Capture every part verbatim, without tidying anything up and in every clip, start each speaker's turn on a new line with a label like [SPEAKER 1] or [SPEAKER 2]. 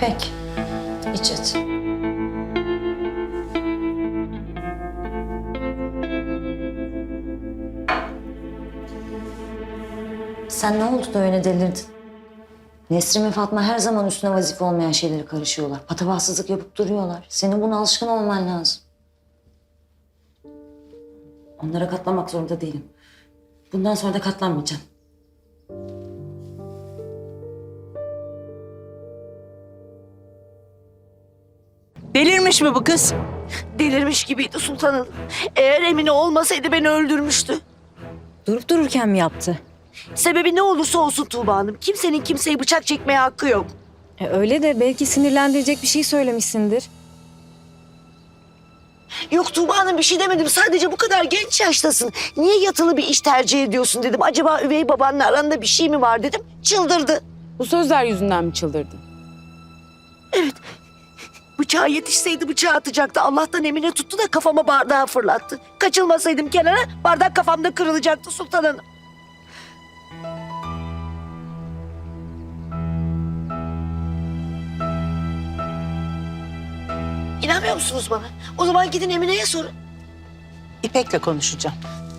[SPEAKER 1] İpek, iç et. Sen ne oldu da öyle delirdin? Nesrin ve Fatma her zaman üstüne vazife olmayan şeylere karışıyorlar. Patavatsızlık yapıp duruyorlar. Senin buna alışkın olman lazım. Onlara katlanmak zorunda değilim. Bundan sonra da katlanmayacağım.
[SPEAKER 2] Delirmiş mi bu kız?
[SPEAKER 3] Delirmiş gibiydi sultanım. Eğer Emine olmasaydı beni öldürmüştü.
[SPEAKER 1] Durup dururken mi yaptı?
[SPEAKER 3] Sebebi ne olursa olsun Tuğba Hanım. Kimsenin kimseye bıçak çekmeye hakkı yok.
[SPEAKER 1] E öyle de belki sinirlendirecek bir şey söylemişsindir.
[SPEAKER 3] Yok Tuğba Hanım, bir şey demedim. Sadece bu kadar genç yaştasın. Niye yatılı bir iş tercih ediyorsun dedim. Acaba üvey babanla aranda bir şey mi var dedim. Çıldırdı.
[SPEAKER 4] Bu sözler yüzünden mi çıldırdın?
[SPEAKER 3] Evet. Bıçağa yetişseydi bıçağı atacaktı. Allah'tan Emine tuttu da kafama bardağı fırlattı. Kaçılmasaydım kenara bardak kafamda kırılacaktı Sultan Hanım. İnanmıyor musunuz bana? O zaman gidin Emine'ye sorun.
[SPEAKER 2] İpek'le konuşacağım.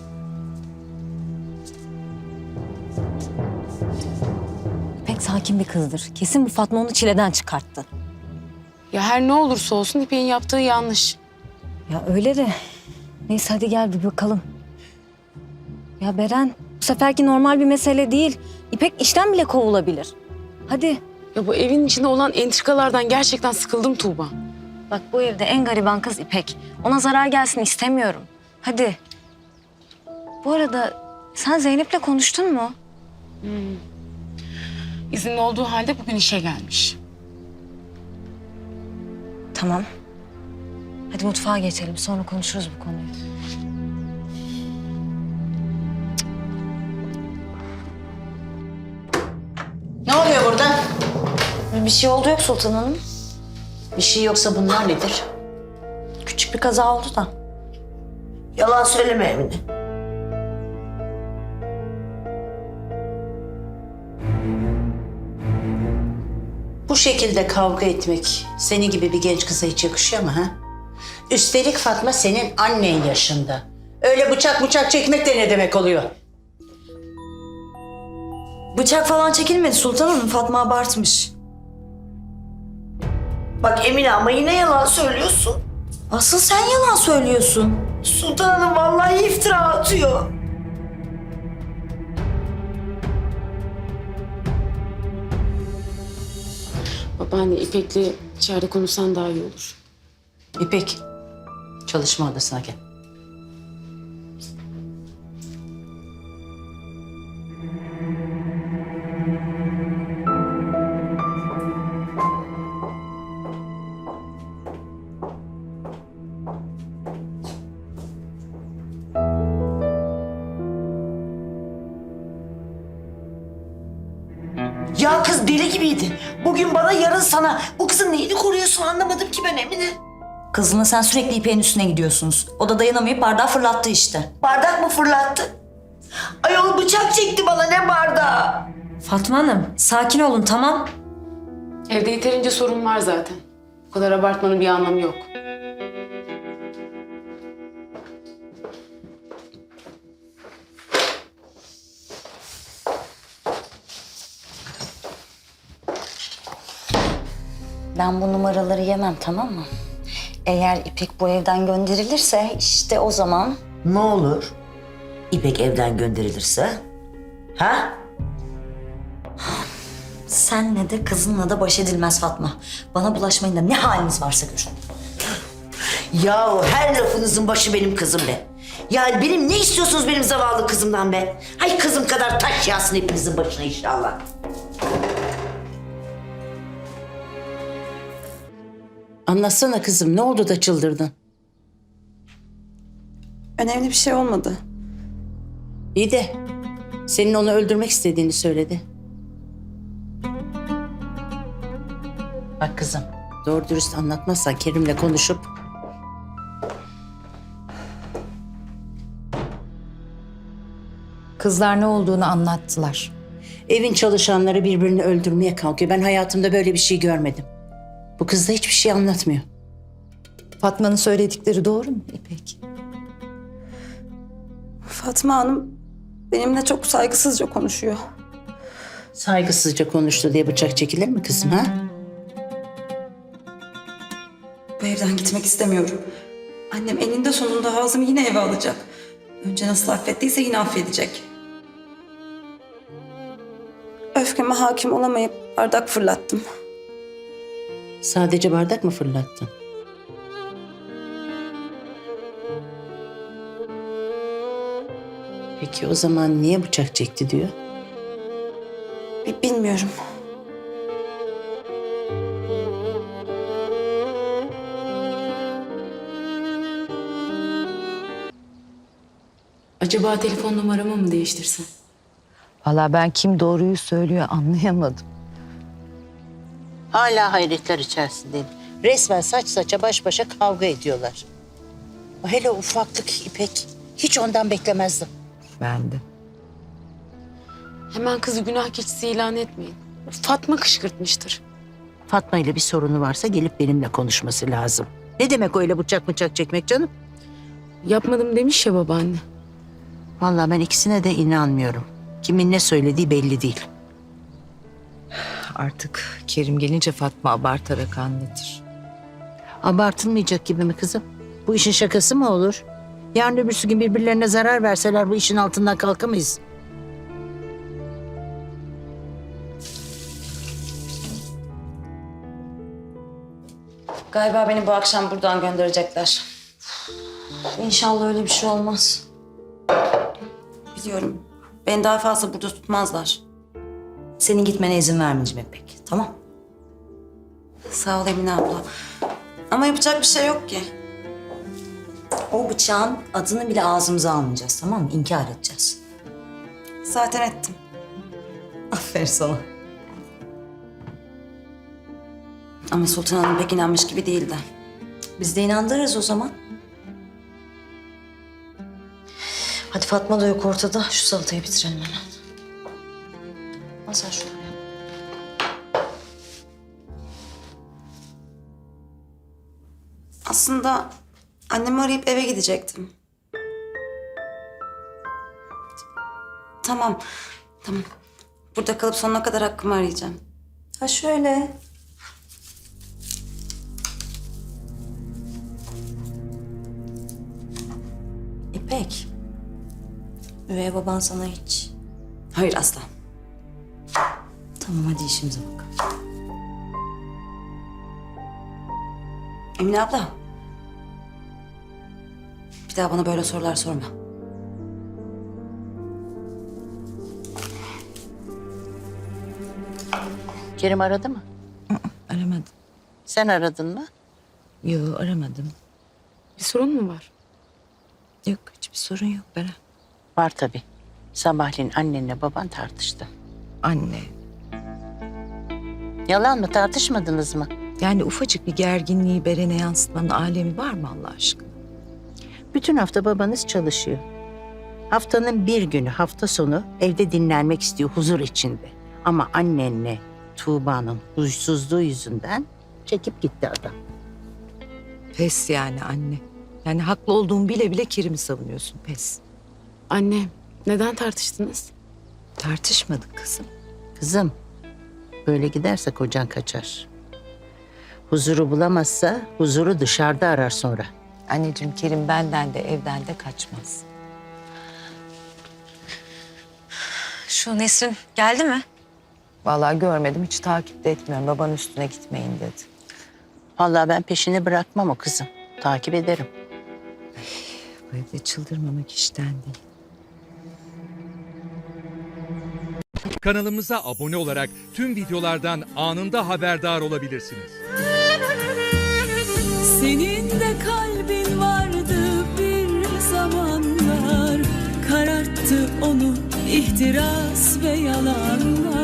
[SPEAKER 1] İpek sakin bir kızdır. Kesin bu Fatma onu çileden çıkarttı.
[SPEAKER 4] Ya her ne olursa olsun İpek'in yaptığı yanlış.
[SPEAKER 1] Ya öyle de. Neyse hadi gel bir bakalım. Ya Beren, bu seferki normal bir mesele değil. İpek işten bile kovulabilir. Hadi.
[SPEAKER 4] Ya bu evin içinde olan entrikalardan gerçekten sıkıldım Tuğba.
[SPEAKER 1] Bak bu evde en gariban kız İpek. Ona zarar gelsin istemiyorum. Hadi. Bu arada sen Zeynep'le konuştun mu?
[SPEAKER 4] İzinli olduğu halde bugün işe gelmiş.
[SPEAKER 1] Tamam. Hadi mutfağa geçelim. Sonra konuşuruz bu konuyu.
[SPEAKER 2] Ne oluyor burada?
[SPEAKER 1] Bir şey oldu yok Sultan Hanım.
[SPEAKER 2] Bir şey yoksa bunlar nedir?
[SPEAKER 1] Küçük bir kaza oldu da.
[SPEAKER 3] Yalan söyleme Emine.
[SPEAKER 2] Bu şekilde kavga etmek seni gibi bir genç kıza hiç yakışıyor mu ha? Üstelik Fatma senin annen yaşında. Öyle bıçak bıçak çekmek de ne demek oluyor?
[SPEAKER 1] Bıçak falan çekilmedi Sultan Hanım. Fatma abartmış.
[SPEAKER 3] Bak Emine, ama yine yalan söylüyorsun.
[SPEAKER 1] Asıl sen yalan söylüyorsun.
[SPEAKER 3] Sultan Hanım vallahi iftira atıyor.
[SPEAKER 4] Babaanne İpek'le içeride konuşsan daha iyi olur.
[SPEAKER 2] İpek, çalışma odasına gel.
[SPEAKER 3] Ya kız deli gibiydi. Bugün bana, yarın sana. Bu kızın neyini koruyorsun anlamadım ki ben Emine.
[SPEAKER 1] Kızınla sen sürekli İpek'in üstüne gidiyorsunuz. O da dayanamayıp bardağı fırlattı işte.
[SPEAKER 3] Bardak mı fırlattı? Ayol bıçak çekti bana, ne bardağı?
[SPEAKER 1] Fatma Hanım, sakin olun tamam.
[SPEAKER 4] Evde yeterince sorun var zaten. Bu kadar abartmanın bir anlamı yok.
[SPEAKER 1] Ben bu numaraları yemem tamam mı? Eğer İpek bu evden gönderilirse işte o zaman...
[SPEAKER 3] Ne olur? İpek evden gönderilirse? Ha?
[SPEAKER 1] Senle de kızınla da baş edilmez Fatma. Bana bulaşmayın da ne haliniz varsa görün.
[SPEAKER 3] Yahu her lafınızın başı benim kızım be. Yani benim ne istiyorsunuz benim zavallı kızımdan be? Hay kızım kadar taş yağsın hepinizin başına inşallah.
[SPEAKER 2] Anlatsana kızım, ne oldu da çıldırdın?
[SPEAKER 5] Önemli bir şey olmadı.
[SPEAKER 2] İyi de senin onu öldürmek istediğini söyledi. Bak kızım, doğru dürüst anlatmazsan Kerim'le konuşup...
[SPEAKER 6] Kızlar ne olduğunu anlattılar.
[SPEAKER 2] Evin çalışanları birbirini öldürmeye kalkıyor. Ben hayatımda böyle bir şey görmedim. Bu kız da hiçbir şey anlatmıyor.
[SPEAKER 6] Fatma'nın söyledikleri doğru mu İpek?
[SPEAKER 5] Fatma Hanım benimle çok saygısızca konuşuyor.
[SPEAKER 2] Saygısızca konuştu diye bıçak çekilir mi kızım ha?
[SPEAKER 5] Bu evden gitmek istemiyorum. Annem eninde sonunda Hazım'ı yine eve alacak. Önce nasıl affettiyse yine affedecek. Öfkeme hakim olamayıp bardak fırlattım.
[SPEAKER 2] Sadece bardak mı fırlattın? Peki o zaman niye bıçak çekti diyor?
[SPEAKER 5] Bi- Bilmiyorum.
[SPEAKER 4] Acaba telefon numaramı mı değiştirsen?
[SPEAKER 6] Vallahi ben kim doğruyu söylüyor anlayamadım.
[SPEAKER 2] Hala hayretler içerisindeyim. Resmen saç saça baş başa kavga ediyorlar. O hele ufaklık İpek. Hiç ondan beklemezdim.
[SPEAKER 6] Ben de.
[SPEAKER 4] Hemen kızı günah keçisi ilan etmeyin. Fatma kışkırtmıştır.
[SPEAKER 2] Fatma ile bir sorunu varsa gelip benimle konuşması lazım. Ne demek öyle bıçak bıçak çekmek canım?
[SPEAKER 4] Yapmadım demiş ya babaanne.
[SPEAKER 2] Vallahi ben ikisine de inanmıyorum. Kimin ne söylediği belli değil.
[SPEAKER 6] Artık Kerim gelince Fatma abartarak anlatır.
[SPEAKER 2] Abartılmayacak gibi mi kızım? Bu işin şakası mı olur? Yarın öbürsü gün birbirlerine zarar verseler bu işin altından kalkamayız.
[SPEAKER 1] Galiba beni bu akşam buradan gönderecekler. İnşallah öyle bir şey olmaz.
[SPEAKER 5] Biliyorum. Beni daha fazla burada tutmazlar.
[SPEAKER 7] Senin gitmene izin vermeyeceğim İpek. Tamam.
[SPEAKER 5] Sağ ol Emine abla. Ama yapacak bir şey yok ki.
[SPEAKER 7] O bıçağın adını bile ağzımıza almayacağız, tamam mı? İnkar edeceğiz.
[SPEAKER 5] Zaten ettim.
[SPEAKER 7] Aferin sana.
[SPEAKER 5] Ama Sultan Hanım pek inanmış gibi değildi.
[SPEAKER 7] Biz de inandırırız o zaman. Hadi Fatma da yok ortada. Şu salatayı bitirelim hemen. Al sen şunu.
[SPEAKER 5] Aslında annemi arayıp eve gidecektim. Tamam, tamam. Burada kalıp sonuna kadar hakkımı arayacağım.
[SPEAKER 7] Ha şöyle. İpek. Üvey baban sana hiç.
[SPEAKER 5] Hayır asla.
[SPEAKER 7] Tamam hadi işimize bakalım.
[SPEAKER 5] Emine abla. Bir daha bana böyle sorular sorma.
[SPEAKER 2] Kerim aradı mı?
[SPEAKER 6] Aramadım.
[SPEAKER 2] Sen aradın mı?
[SPEAKER 6] Yok aramadım.
[SPEAKER 4] Bir sorun mu var?
[SPEAKER 6] Yok hiçbir sorun yok Beren.
[SPEAKER 2] Var tabii. Sabahleyin annenle baban tartıştı.
[SPEAKER 6] Anne.
[SPEAKER 2] Yalan mı, tartışmadınız mı?
[SPEAKER 6] Yani ufacık bir gerginliği Beren'e yansıtmanın alemi var mı Allah aşkına?
[SPEAKER 2] Bütün hafta babanız çalışıyor. Haftanın bir günü, hafta sonu evde dinlenmek istiyor huzur içinde. Ama annenle Tuğba'nın huysuzluğu yüzünden çekip gitti adam.
[SPEAKER 6] Pes yani anne. Yani haklı olduğumu bile bile Kerim'i savunuyorsun pes.
[SPEAKER 4] Anne, neden tartıştınız?
[SPEAKER 6] Tartışmadık kızım.
[SPEAKER 2] Kızım, böyle giderse kocan kaçar. Huzuru bulamazsa huzuru dışarıda arar sonra.
[SPEAKER 6] Anneciğim Kerim benden de evden de kaçmaz.
[SPEAKER 1] Şu Nesrin geldi mi?
[SPEAKER 6] Vallahi görmedim hiç takip de etmiyorum. Baban üstüne gitmeyin dedi.
[SPEAKER 2] Vallahi ben peşini bırakmam o kızım. Takip ederim.
[SPEAKER 6] Bu evde çıldırmamak işten değil.
[SPEAKER 8] Kanalımıza abone olarak tüm videolardan anında haberdar olabilirsiniz.
[SPEAKER 9] Senin de kalbin vardı bir zamanlar, kararttı onu ihtiras ve yalanlar.